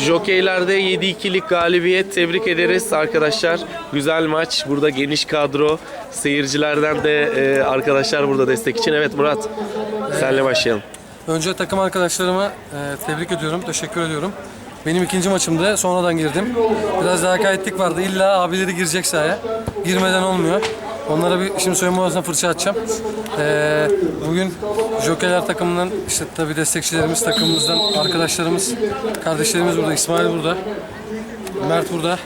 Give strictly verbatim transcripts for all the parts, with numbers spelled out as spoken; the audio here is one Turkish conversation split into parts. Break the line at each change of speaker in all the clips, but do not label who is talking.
Jokeylerde yedi ikilik galibiyet, tebrik ederiz arkadaşlar. Güzel maç. Burada geniş kadro. Seyircilerden de e, arkadaşlar burada destek için. Evet Murat, senle başlayalım.
Önce takım arkadaşlarıma e, tebrik ediyorum, teşekkür ediyorum. Benim ikinci maçımda sonradan girdim. Biraz daha kayıtlık vardı. İlla abileri girecek sahaya. Girmeden olmuyor. Onlara bir şimdi soyunma odasına fırça atacağım. Ee, bugün Jokerler takımından işte tabii destekçilerimiz, takımımızdan arkadaşlarımız, kardeşlerimiz burada. İsmail burada. Mert burada.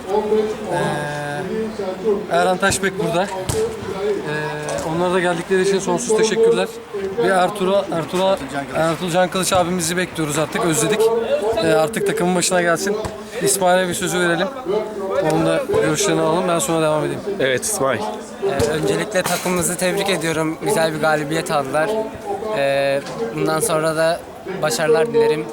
Ee, Erhan Taşbek burada. Ee, onlara da geldikleri için sonsuz teşekkürler. Bir Ertuğrul, Ertuğrul, Ertuğrul Can Kılıç abimizi bekliyoruz artık, özledik. Ee, artık takımın başına gelsin. İsmail'e bir sözü verelim. Onun da görüşlerini alalım. Ben sonra devam edeyim.
Evet İsmail.
Ee, öncelikle takımımızı tebrik ediyorum. Güzel bir galibiyet aldılar. Ee, bundan sonra da başarılar dilerim.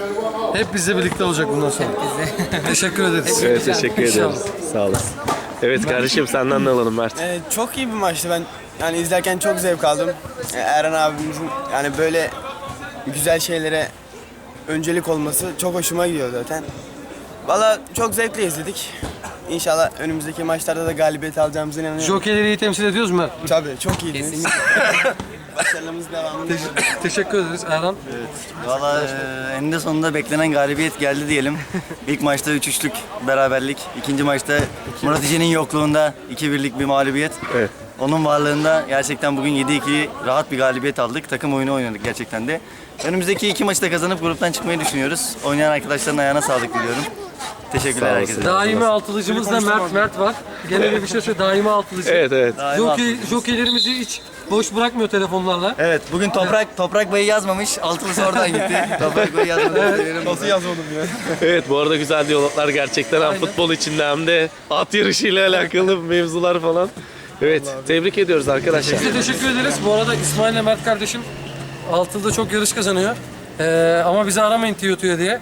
Hep bizle birlikte olacak bundan sonra.
Bizi.
Teşekkür ederiz.
Evet teşekkür
İnşallah.
ederiz. Sağ olasın. Evet kardeşim senden de alalım Mert.
Ee, çok iyi bir maçtı. Ben yani izlerken çok zevk aldım. Ee, Erhan abimizin yani böyle güzel şeylere öncelik olması çok hoşuma gidiyor zaten. Valla çok zevkle izledik. İnşallah önümüzdeki maçlarda da galibiyet alacağımıza inanıyorum.
Jokerleri iyi temsil ediyoruz mu?
Tabii çok iyiydiniz. Başarılarımız devamında.
Teş- teşekkür ederiz Erhan.
Valla e, eninde sonunda beklenen galibiyet geldi diyelim. İlk maçta üç üçlük beraberlik. İkinci maçta Murat İce'nin yokluğunda iki birlik bir mağlubiyet.
Evet.
Onun varlığında gerçekten bugün yedi iki rahat bir galibiyet aldık. Takım oyunu oynadık gerçekten de. Önümüzdeki iki maçı da kazanıp gruptan çıkmayı düşünüyoruz. Oynayan arkadaşların ayağına sağlık diliyorum. Teşekkürler
Sağ
herkese.
Daimi altılıcımız da Mert Mert var. Gene de bir şey söyle. Daimi altılıcı.
Evet evet.
Jockey, jockeylerimizi hiç boş bırakmıyor telefonlarla.
Evet, bugün Toprak Toprak Bey'i yazmamış. Altılısı oradan gitti. Toprak Bey'i yazmadı.
Nasıl yazmadım ya?
Evet bu arada güzel diyaloglar gerçekten hem futbol içinde hem de at yarışıyla alakalı mevzular falan. Evet tebrik ediyoruz arkadaşlar.
Biz de teşekkür ederiz. Bu arada İsmail ile Mert kardeşim Altılı'da çok yarış kazanıyor. Ee, ama bizi aramayın Tiyotu'ya diye.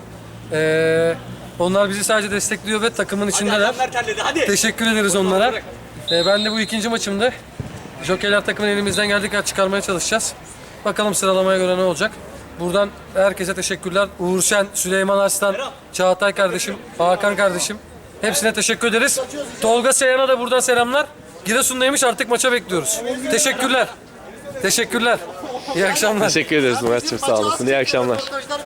Ee, onlar bizi sadece destekliyor ve takımın içindeler. Teşekkür ederiz onlara. Ee, ben de bu ikinci maçımda Jokerler takımın elimizden geldiği kadar çıkarmaya çalışacağız. Bakalım sıralamaya göre ne olacak. Buradan herkese teşekkürler. Uğur Şen, Süleyman Arslan, Çağatay kardeşim, Hakan kardeşim. Hepsine teşekkür ederiz. Tolga Seyhan'a da buradan selamlar. Giresun'daymış, artık maça bekliyoruz. Teşekkürler. Teşekkürler. İyi akşamlar.
Teşekkür ederiz Murat'cığım sağ olasın. İyi akşamlar.